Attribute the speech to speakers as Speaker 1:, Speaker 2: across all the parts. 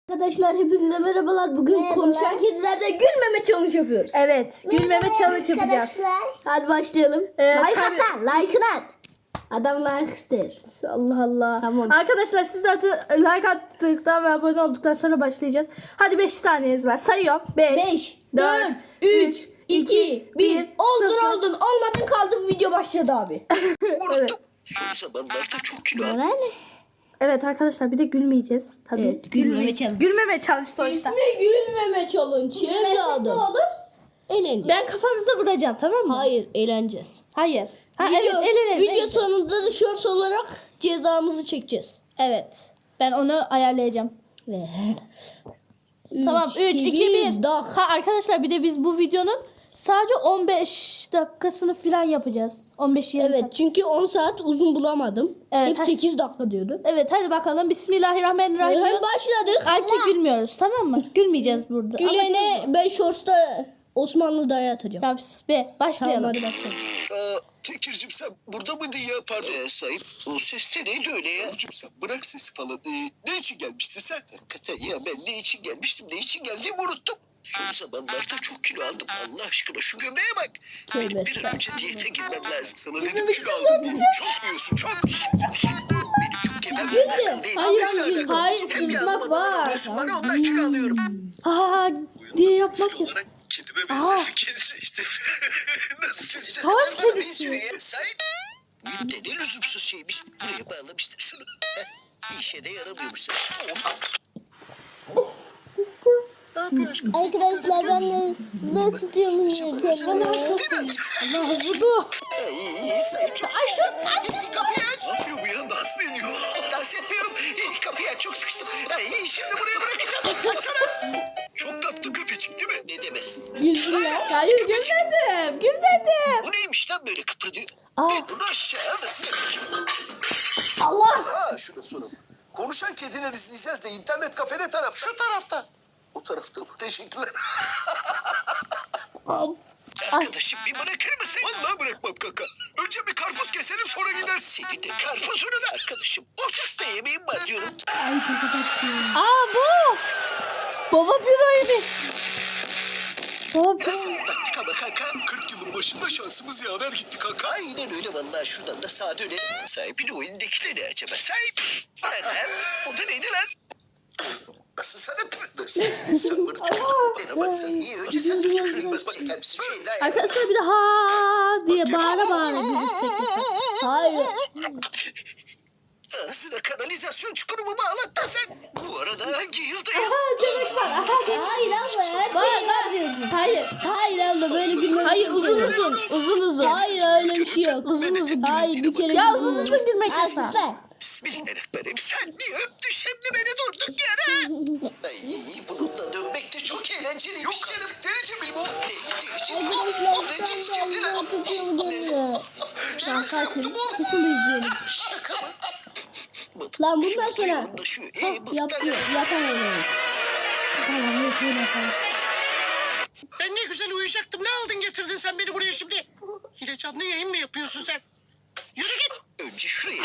Speaker 1: Arkadaşlar hepinize merhabalar. Bugün konuşan kedilerde gülmeme challenge yapıyoruz.
Speaker 2: Evet, gülmeme challenge yapacağız.
Speaker 1: Hadi başlayalım. Like at lan, like'ını at. Adam like ister.
Speaker 2: Allah Allah.
Speaker 1: Tamam.
Speaker 2: Arkadaşlar siz de like attıktan ve abone olduktan sonra başlayacağız. Hadi 5 taneniz var. Sayıyorum.
Speaker 1: 5, 4, 3, 2, 1. Oldun. Olmadın kaldı, video başladı abi.
Speaker 2: Evet.
Speaker 3: Son zamanlarda çok kilo aldım.
Speaker 1: Moral.
Speaker 2: Evet arkadaşlar bir de gülmeyeceğiz. Tabii.
Speaker 1: Evet, gülmeme challenge.
Speaker 2: Gülmeme challenge sonuçta.
Speaker 1: Gülmeme challenge. Ne olur? Eğleneceğiz.
Speaker 2: Ben kafanızda vuracağım, tamam mı?
Speaker 1: Hayır, eğleneceğiz.
Speaker 2: Hayır. Ha,
Speaker 1: Video,
Speaker 2: evet,
Speaker 1: video sonunda da shorts olarak cezamızı çekeceğiz.
Speaker 2: Evet. Ben onu ayarlayacağım. Tamam 3, 2, 1. Ha, arkadaşlar bir de biz bu videonun sadece 15 dakikasını falan yapacağız. 15-20
Speaker 1: Evet,
Speaker 2: saat.
Speaker 1: çünkü 10 saat uzun bulamadım.
Speaker 2: Evet,
Speaker 1: Hep 8 dakika diyordu.
Speaker 2: Evet hadi bakalım. Bismillahirrahmanirrahim.
Speaker 1: Hemen başladık.
Speaker 2: Artık gülmüyoruz, tamam mı? Gülmeyeceğiz burada.
Speaker 1: Gülene ben shorts'ta Osmanlı dayı atacağım.
Speaker 2: Ya be başlayalım.
Speaker 1: Tamam, hadi başlayalım.
Speaker 3: Tekir'cim sen burada mıydın ya? Pardon sahip. O ses de neydi öyle ya? Oğlum sen bırak sesi falan. Ne için gelmiştin sen? Hakikaten ya ben ne için gelmiştim, ne için geldiğimi unuttum. Son zamanlarda çok kilo aldım. Allah aşkına şu göbeğe bak. Benim bir an önce diyete girmem lazım. Sana dedim kilo aldım diye. Çok yiyorsun çok. Benim çok yemem alakalı değil.
Speaker 1: Hayır,
Speaker 3: Benimle alakalı.
Speaker 1: hayır,
Speaker 3: Hem
Speaker 1: sızmak
Speaker 3: yardım
Speaker 1: var.
Speaker 3: alıyorsun bana ondan kilo alıyorum.
Speaker 2: Ha diye yapmak ya.
Speaker 3: Olarak kedime benzer bir kedi seçtim. Nasıl sizce?
Speaker 2: Savaş
Speaker 3: Neden bana
Speaker 2: kedisi.
Speaker 3: benziyor ya? Sahip. Bu ne lüzumsuz şeymiş. Buraya bağlamıştır şunu. Bir işe de yaramıyormuş sen. Ne yapıyor aşkım?
Speaker 1: Arkadaşlar ben de size tutuyorum yürürken.
Speaker 3: Birazcık
Speaker 2: Vurdu.
Speaker 3: İyi sahip çok sıkıştım. Kapıyı aç. Ne yapıyor bu ya? Dans mı ediyor? Dans etmiyorum. Kapıyı aç çok sıkıştım. Şimdi buraya bırakacağım. Açsana. Çok tatlı köpecik değil mi? Ne demezsin.
Speaker 1: Güldüler.
Speaker 2: Hayır gülmedim. Gülmedim.
Speaker 3: Bu neymiş lan böyle kıpırdıyor?
Speaker 2: Aa.
Speaker 3: Ben bunu aşağı alırım.
Speaker 1: Allah.
Speaker 3: Ha şuna soralım. Konuşan kediler izleyeceğiz de internet kafe ne tarafta? Şu tarafta. O tarafta mı? Teşekkürler. Arkadaşım bir bırakır mısın? Vallahi bırakmam kaka. Önce bir karpuz keselim sonra gidersin. Seni de karpuzunu da arkadaşım. Ocakta yemeğim var diyorum.
Speaker 2: Aa bu. Baba büroymuş. Baba
Speaker 3: Nasıl
Speaker 2: büro.
Speaker 3: taktik ama kanka? 40 yılın başında şansımız yaver gitti kanka. Aynen öyle vallahi şuradan da sağa dönelim. Sahibin o elindekileri acaba sahip? Anam o da neydi lan? Nasıl sanat mı? Nasıl? Sen bunu bana baksan iyi. Önce sen tükürülmez çeker misin şu elini ayağı?
Speaker 2: Arkadaşlar bir de ha diye bağıra gülürsek.
Speaker 1: Hayır.
Speaker 3: Ağzına kanalizasyon çukuru mu bağlattın sen? Bu arada hangi yıldayız?
Speaker 1: Hayır abla, her şey var diyorsun.
Speaker 2: Hayır.
Speaker 1: Hayır abla, böyle gülmemiz
Speaker 2: Hayır uzun.
Speaker 1: Hayır, öyle bir şey yok. Hayır, bir kere
Speaker 2: Ya uzun gülmek yasak.
Speaker 1: Aslan.
Speaker 3: Bismillahirrahmanirrahim. Sen bir öptü şimdi beni durduk yere. Ay bununla dönmek de çok eğlenceliymiş. Yok canım. Deli Cemil bu. Deli Cemil. O ne Cemil lan? Şaka yaptı bu.
Speaker 2: Kesin izleyelim.
Speaker 3: Şaka mı?
Speaker 1: Lan bundan sonra
Speaker 3: yapıyor.
Speaker 1: yapamıyorum.
Speaker 2: Tamam şöyle yapalım.
Speaker 3: Ben ne güzel uyuyacaktım. Ne aldın getirdin sen beni buraya şimdi? Yine canlı yayın mı yapıyorsun sen? Yürü git. Önce şuraya.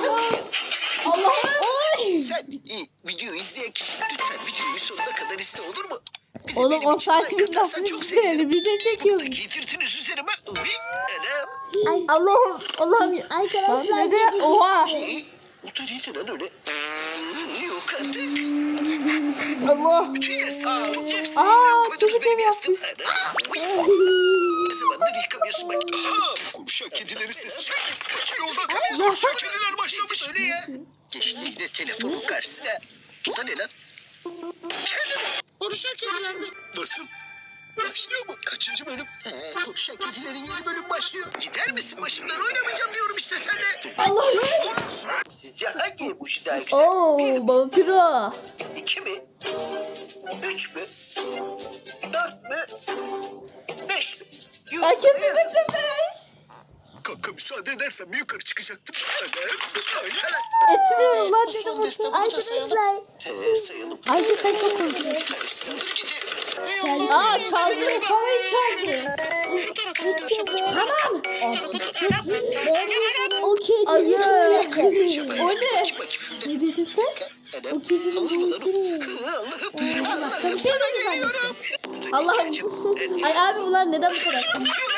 Speaker 1: Allah'ım.
Speaker 3: Sen videoyu izleyen kişi lütfen videoyu sonuna kadar izle olur mu? Bir de
Speaker 2: Oğlum
Speaker 3: benim
Speaker 2: 10
Speaker 3: için like
Speaker 2: saatimiz
Speaker 3: atarsan
Speaker 2: nasıl
Speaker 3: çok sevinirim.
Speaker 2: izleyelim? Bir de çekiyoruz.
Speaker 3: Giydirdiniz üzerime. Uy anam.
Speaker 2: Allah'ım.
Speaker 1: Arkadaşlar
Speaker 2: Neden? Oha.
Speaker 3: Bu da neydi lan öyle? Yok artık.
Speaker 2: Allah.
Speaker 3: Bütün yastıkları toplamışsınız.
Speaker 2: Aa,
Speaker 3: Koydunuz
Speaker 2: çocuk
Speaker 3: benim
Speaker 2: evi
Speaker 3: yastığım. Anam. Ne zamandır yıkamıyorsun bak. Aha. Konuşan kedileri sesi çok kaçıyor yolda kalıyorsun. Şu kediler başlamış. Öyle ya. Geçti yine telefonun karşısına. Bu da ne lan? Kedi mi? Konuşan kediler mi? Nasıl? Başlıyor mu? Kaçıncı bölüm? Konuşan kedilerin yeni bölüm başlıyor. Gider misin başımdan oynamayacağım diyorum işte sen de.
Speaker 2: Allah'ım.
Speaker 3: Sizce hangi bu iş daha güzel?
Speaker 2: Oo baba piro.
Speaker 3: 2 mi? 3 mü? 4 mü? 5 mi?
Speaker 2: Ay kesinlikle beş.
Speaker 3: Kanka müsaade edersen bir yukarı çıkacaktım.
Speaker 2: Etmiyorum lan dedim.
Speaker 3: Son destemini de
Speaker 1: Arkadaşlar.
Speaker 3: sayalım.
Speaker 2: Ay sen çok konuşuyorsun.
Speaker 3: Bir tanesini alır gidiyor.
Speaker 2: Aa çaldı. Kafayı çaldı.
Speaker 3: Şu tarafa gidiyor.
Speaker 2: Tamam.
Speaker 3: Şu tarafa da.
Speaker 1: O kedi.
Speaker 2: Ayı.
Speaker 3: O
Speaker 2: O ne?
Speaker 3: Bakayım şurada.
Speaker 2: Ne dedin sen?
Speaker 3: Anam, havuz mu lan o? Allah'ım.
Speaker 2: Başka bir şey de mi zannettin? Allah'ım. Ay abi bunlar neden bu kadar?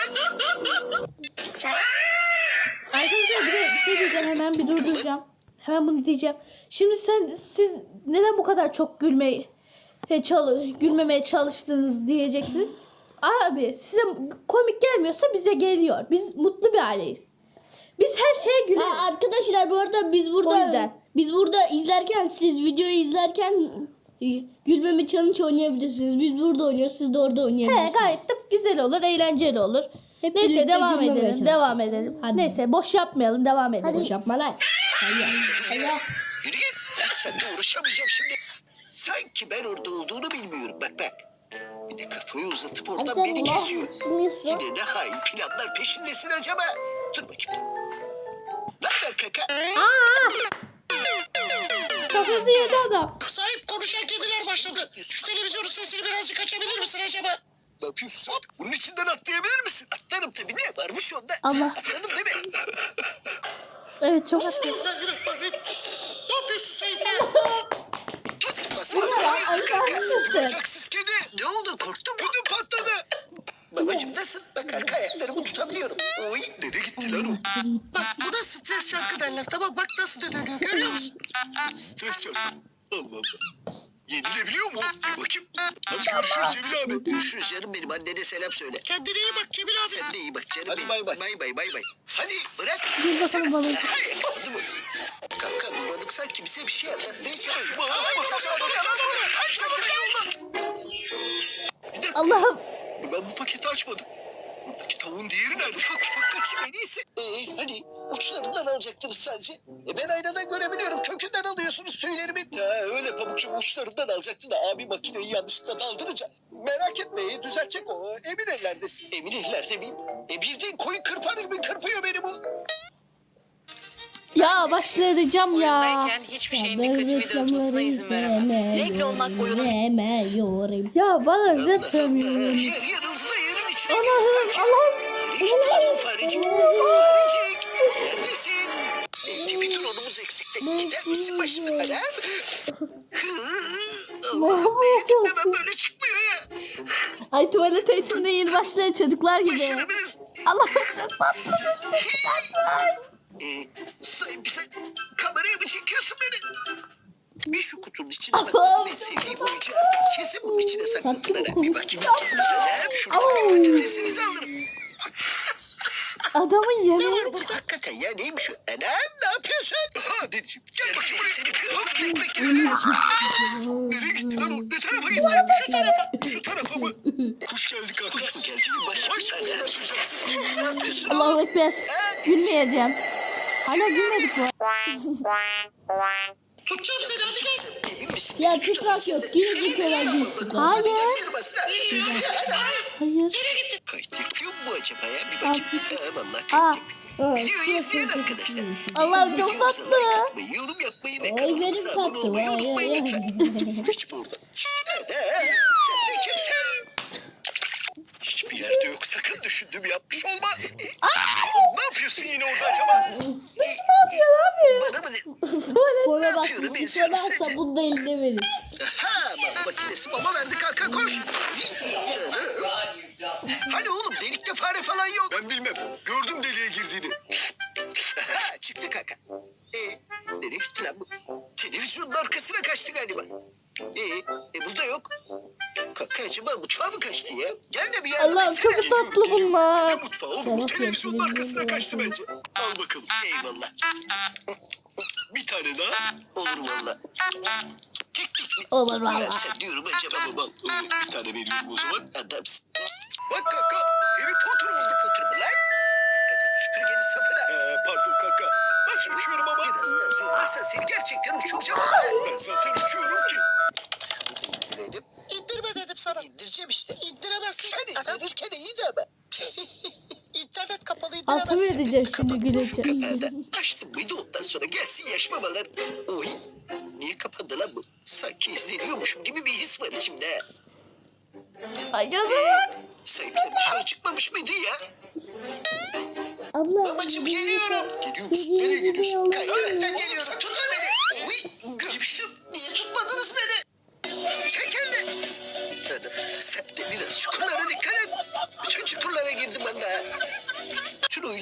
Speaker 2: Arkadaşlar bir de bir şey diyeceğim, hemen bir durduracağım. Hemen bunu diyeceğim. Şimdi siz neden bu kadar çok gülmemeye çalıştınız diyeceksiniz. Abi size komik gelmiyorsa bize geliyor. Biz mutlu bir aileyiz. Biz her şeye güleriz.
Speaker 1: Arkadaşlar bu arada
Speaker 2: O yüzden.
Speaker 1: biz burada izlerken, siz videoyu izlerken gülmeme challenge oynayabilirsiniz. Biz burada oynuyoruz, siz de orada
Speaker 2: He,
Speaker 1: oynayabilirsiniz.
Speaker 2: gayet de güzel olur, eğlenceli olur.
Speaker 1: Hep
Speaker 2: Neyse
Speaker 1: birlikte
Speaker 2: devam
Speaker 1: gülmemeye
Speaker 2: edelim.
Speaker 1: çalışacağız.
Speaker 2: Devam edelim.
Speaker 1: Hadi.
Speaker 2: Neyse boş yapmayalım, devam edelim.
Speaker 1: Boş yapma lan.
Speaker 3: Yürü git. Seninle uğraşamayacağım şimdi. Sanki ben orada olduğunu bilmiyorum. Bak. Bir de kafayı uzatıp oradan beni kesiyor. Yine ne hain planlar peşindesin acaba? Dur bakayım. Ne haber kaka?
Speaker 2: Kafası yedi adam.
Speaker 3: Sahip konuşan kediler başladı. Şu televizyonun sesini birazcık açabilir misin acaba? Ne yapıyorsun? Bunun içinden atlayabilir misin? Atlarım tabii. Ne varmış onda?
Speaker 2: Allah.
Speaker 3: Atladım değil mi?
Speaker 2: Evet çok haklı.
Speaker 3: Ne yapıyorsun Sahip?
Speaker 2: Arkadaşsın.
Speaker 3: Bacaksız kedi. Ne oldu? Korktun mu? Ödüm patladı. Babacım nasıl? Bak arka ayaklarımı tutabiliyorum. Oy. Nereye gitti lan o? Bak buna stres şarkı derler. Tamam bak nasıl dönüyor görüyor musun? Stres şarkı. Allah Allah. Yenilebiliyor mu? Bir bakayım. Hadi görüşürüz Cemil abi. Görüşürüz canım benim. Annene selam söyle. Kendine iyi bak Cemil abi. Sen de iyi bak canım benim. Hadi bay bay. Hadi bırak.
Speaker 2: Gel bakalım balık.
Speaker 3: Yakaladı mı? Kanka bu balık sanki bize bir şey anlatmaya çalışıyor.
Speaker 2: Allah'ım.
Speaker 3: Ben bu paketi açmadım. Buradaki tavuğun diğeri nerede? Ufak kaçayım en iyisi. Hani uçlarından alacaktınız sadece. Ben aynadan görebiliyorum. Kökünden alıyorsunuz tüylerimin. Ya öyle pamukçu uçlarından alacaktı da abi makineyi yanlışlıkla daldırınca. Merak etme düzeltecek o. Emin ellerdesin. Emin ellerde miyim? Bildiğin koyun kırpar gibi kırpıyor beni bu.
Speaker 2: Ya başlayacağım ya.
Speaker 4: Oyundayken hiçbir şeyin dikkatimi dağıtmasına izin veremem. Renkli olmak oyunun
Speaker 1: Yemiyorum.
Speaker 2: Ya bana
Speaker 3: Allah
Speaker 2: üretmiyorum.
Speaker 3: yarıldı da yerin içine girdi
Speaker 2: Allah'ım
Speaker 3: sanki.
Speaker 2: Allah'ım.
Speaker 3: Nereye gitti lan bu farecik? Farecik. Neredesin? Bir dronumuz eksikti. Gider misin başımdan? Allah'ım ne yedim de ben böyle çıkmıyor ya.
Speaker 2: Ay tuvalet eğitimine yeni başlayan çocuklar gibi.
Speaker 3: Başarabiliriz.
Speaker 2: Allah'ım.
Speaker 3: Sahip sen kameraya mı çekiyorsun beni? Bir şu kutunun içine
Speaker 2: Allah'ım.
Speaker 3: bakalım en sevdiğim oyuncağı. Kesin bunun içine sakladılar. Bir bakayım. Anam şuradan bir patatesinizi alırım.
Speaker 2: Adamın
Speaker 3: Ne
Speaker 2: yemeği.
Speaker 3: var burada? Kaka ya neymiş o? Anam ne yapıyorsun? Ha dedeciğim gel bakayım buraya seni kırmızı ekmek gibi. Nereye gitti lan o? Ne tarafa gitti? Şu tarafa. Şu tarafa mı? Kuş geldi kanka. Kuş mu geldi? Bir bakayım. Sen uğraşacaksın. Ne yapıyorsun
Speaker 2: Allahu
Speaker 3: oğlum?
Speaker 2: Ekber. Gülmeyeceğim. Hala gülmedik bu.
Speaker 3: Tutacağım seni hadi gel. Emin misin?
Speaker 1: Ya tutmak yok. Yine kadar geçtik.
Speaker 2: Hayır. Hayır.
Speaker 3: Kayıt yapıyor mu bu acaba ya? Bir bakayım. Vallahi
Speaker 2: Aa.
Speaker 3: kayıt yapıyor. Videoyu izleyen arkadaşlar.
Speaker 2: Allah'ım çok
Speaker 3: Videomuza
Speaker 2: tatlı.
Speaker 3: like atmayı, yorum yapmayı ve
Speaker 1: Ay,
Speaker 3: kanalımıza
Speaker 1: benim
Speaker 3: abone
Speaker 1: tatlı.
Speaker 3: olmayı
Speaker 1: Ay,
Speaker 3: unutmayın
Speaker 1: ay,
Speaker 3: lütfen. Hiç burada. Sen de kimsin? Hiçbir yerde yok. Sakın düşündüğümü yapmış olma. Ne yapıyorsun yine orada acaba? Bana mı ne?
Speaker 1: Sonra bak
Speaker 3: Atıyorum,
Speaker 1: bir
Speaker 3: eziyorum
Speaker 1: sonra
Speaker 3: seni.
Speaker 1: sabun da eline verin.
Speaker 3: Ha, mama makinesi mama verdi kanka koş. Hani oğlum delikte fare falan yok. Ben bilmem. Gördüm deliğe girdiğini. Ha, çıktı kanka. Nereye gitti lan bu? Televizyonun arkasına kaçtı galiba. Burada yok. Kanka acaba mutfağa mı kaçtı ya? Gel de bir yardım
Speaker 2: Allah'ım
Speaker 3: etsene.
Speaker 2: çok tatlı bunlar.
Speaker 3: Ne mutfağı oğlum? Bu televizyonun arkasına kaçtı bence. Al bakalım. Eyvallah. Bir tane daha. Olur valla. Tek mi?
Speaker 2: Olur valla.
Speaker 3: Versen diyorum acaba baba. Bir tane veriyorum o zaman. Adamsın. Bak kanka. Harry Potter oldu Potter mu lan? Dikkat et süpürgenin sapına. Pardon kanka. Nasıl uçuyorum ama? Biraz daha zorlarsan seni gerçekten uçuracağım. Ben zaten uçuyorum ki. Şunu da indirelim. İndirme dedim sana. İndireceğim işte. İndiremezsin. Sen indirirken iyiydi ama. İnternet kapalı indiremezsin.
Speaker 2: Altımı edeceğim şimdi
Speaker 3: Şu
Speaker 2: gülünce.
Speaker 3: kapağı da açtım mıydı ondan sonra gelsin yaş babalar. Oy. Niye kapandı lan bu? Sanki izleniyormuşum gibi bir his var içimde.
Speaker 2: Ay yazık.
Speaker 3: Sahip sen dışarı çıkmamış mıydın ya?
Speaker 1: Abla.
Speaker 3: Babacım geliyorum. Geliyor musun? Nereye geliyorsun? Kaydıraktan geliyorum. Tutun beni. Oy. Görmüşüm. Niye tutmadınız beni?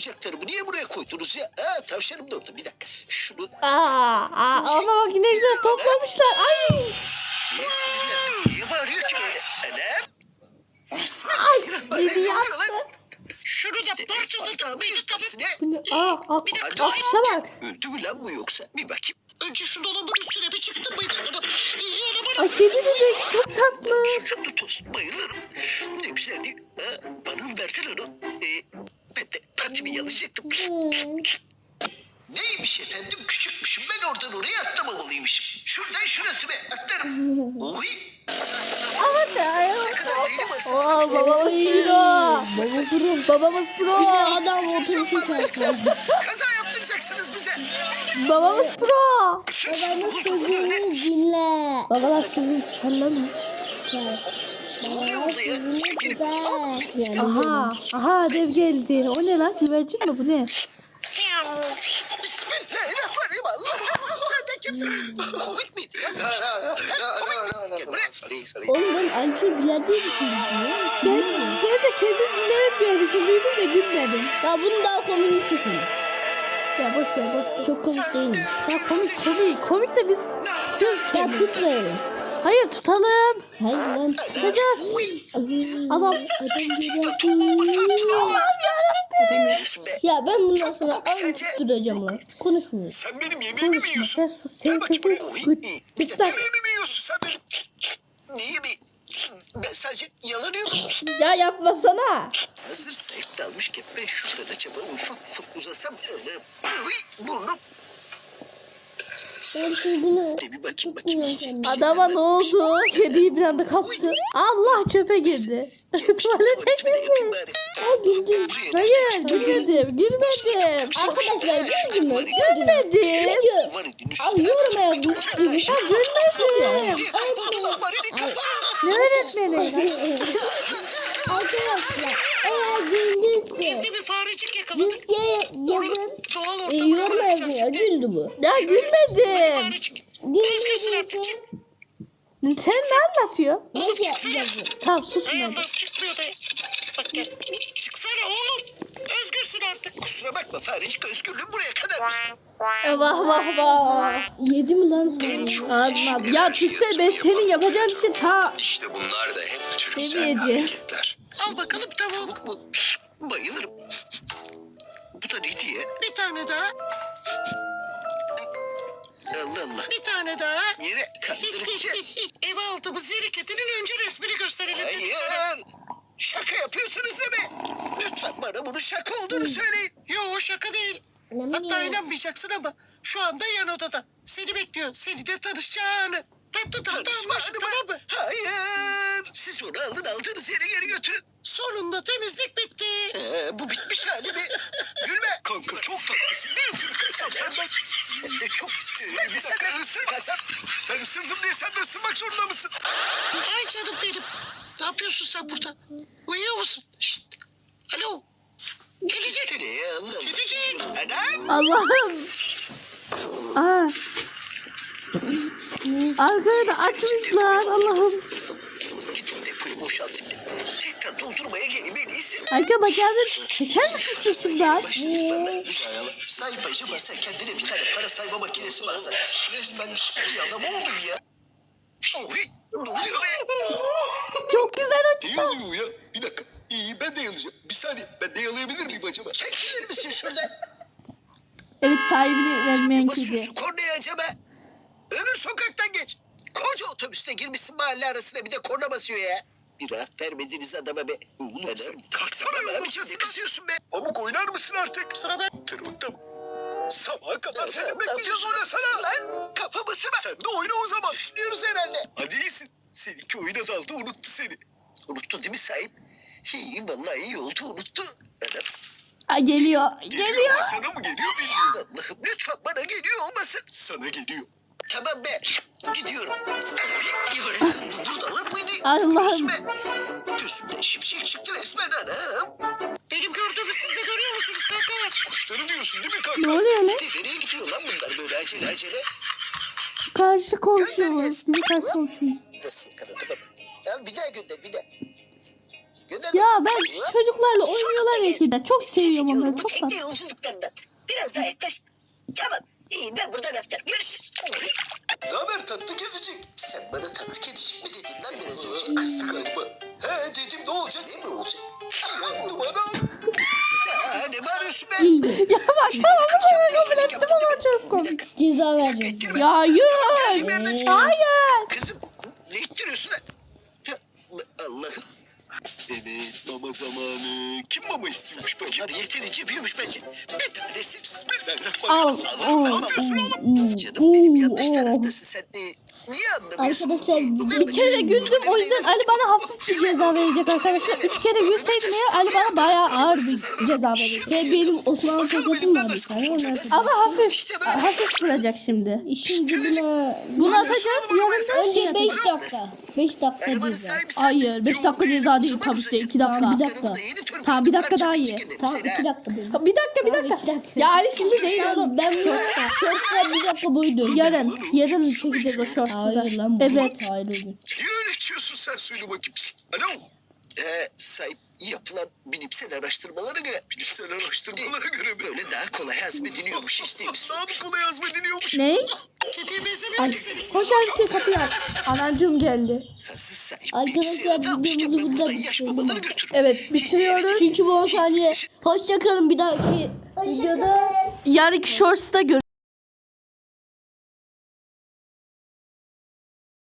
Speaker 3: oyuncaklarımı niye buraya koydunuz ya? Tavşanım da orada, bir dakika. Şunu
Speaker 2: Ama bak ne güzel toplamışlar. Ay.
Speaker 3: niye sinirlendim? Niye bağırıyor ki böyle? Anam.
Speaker 2: Dedi yaptı.
Speaker 3: Şunu da parçaladım. Bir tanesine.
Speaker 2: Aksa bak.
Speaker 3: Öldü mü lan bu yoksa? Bir bakayım. Önce şu dolabın üstüne bir çıktım mıydı?
Speaker 2: Ay kedi bebek çok tatlı.
Speaker 3: Sucuklu tost bayılırım. Ne güzeldi. Bana mı verdin onu? Ben de partimi yalayacaktım. Neymiş efendim? Küçükmüşüm. Ben oradan oraya atlamamalıymışım. Şuradan şurası be. Atlarım. Oy. Ne kadar deli varsa.
Speaker 2: Babamız pro. Babamız pro.
Speaker 1: Bir de adam oturuşu kalkıyor.
Speaker 3: Kaza yaptıracaksınız bize.
Speaker 2: Babamız pro.
Speaker 1: Babamız sözünü dinle.
Speaker 2: Babalar sözünü tutarlar mı?
Speaker 3: Ne oluyor orada ya? Çekilin.
Speaker 2: Aha dev geldi. O ne lan? Güvercin mi bu ne?
Speaker 3: Bismillahirrahmanirrahim. Allah. Sen de kimsin? Komik miydi ya? Gel buraya.
Speaker 1: Oğlum ben Alp'i bilardo düşündüm.
Speaker 2: Ben de kendim dinlerim diye düşündüydüm de gülmedim.
Speaker 1: Ya bunu daha komik çekin.
Speaker 2: Ya boş ver.
Speaker 1: Çok komik değil mi?
Speaker 2: Ya komik. Komik de biz tutuyoruz
Speaker 1: Ya
Speaker 2: kendimizi.
Speaker 1: tutmayalım.
Speaker 2: Hayır tutalım.
Speaker 1: Hayır lan.
Speaker 2: Tutacağız. Adam.
Speaker 1: Ya ben bundan sonra az tutturacağım lan. Konuşmuyor.
Speaker 3: Sen benim yemeğimi mi yiyorsun?
Speaker 2: Sen sus. Senin
Speaker 3: Bakayım buraya.
Speaker 2: sesin
Speaker 3: Oy,
Speaker 2: bir dakika.
Speaker 3: yemeğimi mi yiyorsun sen benim? Niye mi? Ben sadece yalanıyorum.
Speaker 2: Ya yapmasana.
Speaker 3: Hazır sahip dalmışken ben şuradan acaba ufak uzasam. Burnum.
Speaker 1: Ben sözünü
Speaker 3: Bir bakayım yiyecek bir şey
Speaker 2: Adama
Speaker 3: var
Speaker 2: ne
Speaker 3: mı?
Speaker 2: oldu? Kediyi bir anda kaptı. Allah çöpe girdi. Tuvalete
Speaker 3: Tuvaletimi de yapayım
Speaker 2: girdi.
Speaker 3: bari.
Speaker 1: güldüm.
Speaker 3: Buraya
Speaker 2: Hayır gülmedim.
Speaker 1: Arkadaşlar güldüm mü?
Speaker 2: Gülmedim.
Speaker 1: Video.
Speaker 3: Var edin üstüne.
Speaker 1: Abi yoruma yazın.
Speaker 2: Ya gülmedim. Ne öğretmeni?
Speaker 1: Arkadaşlar eğer güldüyse
Speaker 3: Evde bir farecik yakaladık.
Speaker 1: Yüzge yazın.
Speaker 3: Doğal
Speaker 1: Yoruma yazın ya. Güldü bu.
Speaker 2: Ya gülmedim.
Speaker 3: Farecik.
Speaker 1: Gülmediyse
Speaker 2: Sen ne anlatıyor?
Speaker 1: neyse yazın.
Speaker 2: Tamam susun hadi.
Speaker 3: Ayağından çıkmıyor da. Bak gel. Çıksana oğlum. Özgürsün artık. Kusura bakma farecik, özgürlüğüm buraya kadar.
Speaker 2: Vah.
Speaker 1: Yedi mi lan?
Speaker 2: Ağzına. Ya Türksel ben senin yapacağın işi ta
Speaker 5: İşte bunlar da hep Türksel
Speaker 2: Seviyeci.
Speaker 5: hareketler.
Speaker 3: Al bakalım tavuk mu? Bayılırım. Bu da ne diye? Bir tane daha. Allah Allah. Bir tane daha. Yere kandırıcı. Ev altımız yeri kedinin önce resmini gösterelim. Hayır. Şaka yapıyorsunuz değil mi? Lütfen bana bunun şaka olduğunu söyleyin. Yo şaka değil. Hatta inanmayacaksın ama şu anda yan odada. Seni bekliyor. Seni de tanışacağını. Tanışmak tamam mı? Hayır. Siz onu aldığınız yere geri götürün. Sonunda temizlik bitti. Bu bitmiş hali mi? Gülme. Kanka çok tatlısın. Ne ısırırsam senden. Sen de çok bir dakika ısır kasap. Ben ısırdım diye sen de ısırmak zorunda mısın? Ay canım benim. Ne yapıyorsun sen burada? Uyuyor musun? Şşt. Alo. Gelecek. Gelecek. Adam.
Speaker 2: Allah'ım. Aa. Arkaya da açmışlar Allah'ım.
Speaker 3: Gidip depoyu boşaltayım da. Tekrar doldurmaya geleyim en iyisi.
Speaker 2: Arka bacağını çeker misin sırtımdan?
Speaker 3: Sahip acaba sen kendine bir tane para sayma makinesi mi alsan? Resmen bir adam oldum ya. Oy, ne oluyor be?
Speaker 2: Çok güzel
Speaker 3: Ne
Speaker 2: açtı.
Speaker 3: oluyor ya? Bir dakika. İyi ben de yalayacağım. Bir saniye ben de yalayabilir miyim acaba? Çekilir misin şuradan?
Speaker 2: Evet sahibini vermeyen kedi.
Speaker 3: Basıyorsun kornaya acaba. Öbür sokaktan geç. Koca otobüste girmişsin mahalle arasına bir de korna basıyor ya. Bir rahat vermediniz adama be. Oğlum sen kalksana yolun sesi kısıyorsun be. Pamuk oynar mısın artık? Sıra ben. Tırmıkta mı? Sabaha kadar seni bekleyeceğiz oynasana. Lan kafamı sıma. Sen de oyna o zaman. Düşünüyoruz herhalde. Hadi iyisin. Seninki oyuna daldı unuttu seni. Unuttu değil mi sahip? İyi vallahi iyi oldu unuttu. Anam.
Speaker 2: Aa, geliyor.
Speaker 3: Ama
Speaker 2: Geliyor.
Speaker 3: sana mı geliyor bilmiyorum. Allah'ım lütfen bana geliyor olmasın. Sana geliyor. Tamam be. Gidiyorum. Burada lan mıydı?
Speaker 2: Allah'ım.
Speaker 3: Gözümden şimşek çıktı resmen anam. Benim gördüğümü siz de görüyor musunuz kankalar? Kuşları diyorsun değil mi kanka?
Speaker 2: Ne oluyor lan?
Speaker 3: Nereye gidiyor lan bunlar böyle acele?
Speaker 2: Karşı komşumuz. Bizim karşı komşumuz.
Speaker 3: Nasıl yakaladım ama. Al bir daha gönder bir daha. Gönder
Speaker 2: Ya
Speaker 3: bakayım.
Speaker 2: ben şu çocuklarla oynuyorlar ya ki de. Çok seviyorum onları.
Speaker 3: Bu
Speaker 2: Çok
Speaker 3: tekne
Speaker 2: tatlı.
Speaker 3: yolculuklarından. Biraz daha yaklaş. Tamam. İyi ben buradan öptüm. Görüşürüz. Ne haber tatlı kedicik? Sen bana tatlı kedicik mi dedin lan biraz önce? Kızdı galiba. He dedim ne olacak? Ne mi olacak? Numaram. Ne bağırıyorsun be?
Speaker 2: Ya bak tamam bu sefer kabul ettim ama çok komik.
Speaker 1: Ceza vereceğiz.
Speaker 2: Ya hayır.
Speaker 3: Hayır. Kızım ne ittiriyorsun lan? Ya, Allah'ım. Evet mama zamanı. Kim mama istiyormuş bakayım? Bunlar yeterince büyümüş bence. Bir tanesi bismillahirrahmanirrahim. Ne yapıyorsun oğlum? Canım benim yanlış taraftasın sen de. Niye anlamıyorsun?
Speaker 1: Arkadaşlar
Speaker 2: Bir kere güldüm o yüzden Ali bana hafif bir ceza verecek arkadaşlar. 3 kere gülseydim eğer Ali bana bayağı ağır bir ceza verecek.
Speaker 1: Ve benim Osmanlı tokatım var bir tane. Onlar
Speaker 2: Ama hafif süracek şimdi.
Speaker 1: işin dibine.
Speaker 2: Bunu atacağız yanında
Speaker 1: Önce
Speaker 2: şey
Speaker 1: 5
Speaker 2: yapacağız.
Speaker 1: dakika. 5 dakika
Speaker 3: Arabanın
Speaker 1: ceza.
Speaker 3: sahibi sen
Speaker 2: Hayır
Speaker 3: misin?
Speaker 2: 5 dakika ceza değil tabii ki de 2 dakika.
Speaker 1: Tamam, bir dakika.
Speaker 3: Arabada yeni turbo
Speaker 2: Tamam bir dakika
Speaker 3: parça
Speaker 2: daha iyi.
Speaker 3: çekelim
Speaker 1: Tamam
Speaker 3: seni,
Speaker 1: 2
Speaker 3: ha.
Speaker 1: dakika dedim.
Speaker 2: Bir dakika.
Speaker 1: üç dakika.
Speaker 2: Ya Ali şimdi değil oğlum.
Speaker 1: Ben bunu shorts'ta 1 dakika boyunca.
Speaker 2: Yarın çekeceğiz o shorts'u da.
Speaker 1: Hayır lan bu.
Speaker 2: Evet.
Speaker 1: Hayır öyle.
Speaker 3: Niye öyle içiyorsun sen söyle bakayım. Pişt, alo. Sahip yapılan bilimsel araştırmalara göre. Bilimsel araştırmalara göre mi? Böyle daha kolay hazmediliyormuş istemiş. Daha mı kolay hazmediliyormuş?
Speaker 2: Ne?
Speaker 3: Kediye benzemiyor
Speaker 2: Ay,
Speaker 3: ki senin.
Speaker 2: koş Ali kapıyı aç. Anacığım geldi.
Speaker 3: Hazır sahip
Speaker 1: Arkadaşlar,
Speaker 3: bilgisayarı almışken
Speaker 1: videomuzu
Speaker 3: ben
Speaker 1: burada
Speaker 3: buradan yaş
Speaker 1: bitirelim.
Speaker 3: babaları götürürüm.
Speaker 2: Evet bitiriyoruz.
Speaker 1: Çünkü bu 10 saniye. Hoşçakalın bir dahaki videoda.
Speaker 2: Yarınki shorts'ta görüşürüz.